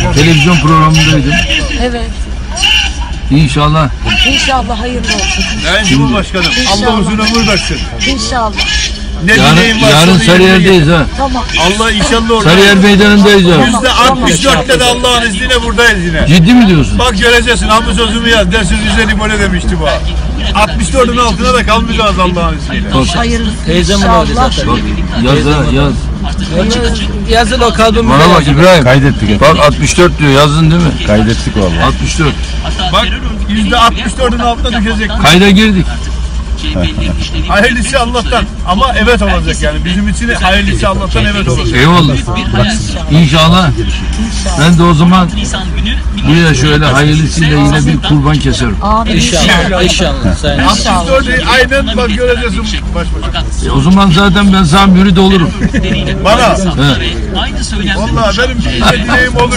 televizyon programındaydım. Evet. İnşallah. İnşallah hayırlı olsun. Sayın Cumhurbaşkanım, Allah uzun ömür versin. İnşallah. Ne dileğim var, Yarın sonu Sarıyer'deyiz ha. Tamam. Allah inşallah orada. Sarıyer meydanındayız ya. %64'te de Allah'ın izniyle buradayız yine. Ciddi mi diyorsun? Bak göreceksin, hamı sözümü yaz. Dersiz üzeri böyle demişti bu. 64'ün altına da kalmayacağız Allah'ın izniyle. Hayırlı. Teyzemin oğlu zaten. Bak yaz ha yaz. Yazın o kalbim. Bana bak İbrahim. Kaydettik. Bak 64 diyor yazdın değil mi? Kaydettik vallahi. 64. Bak %64'ün altına düşecek. Kayda girdik. Hayırlısı Allah'tan. Ama evet olacak yani. Bizim için hayırlısı Allah'tan evet olacak. Eyvallah. İnşallah. Ben de o zaman buraya şöyle hayırlısıyla yine bir kurban keserim. Amin. İnşallah. İnşallah. Sayın. 64'ü aynen bak göreceksin başbakan. O zaman zaten ben sana mürid olurum. Bana. He. Vallahi benim bir dileğim olur.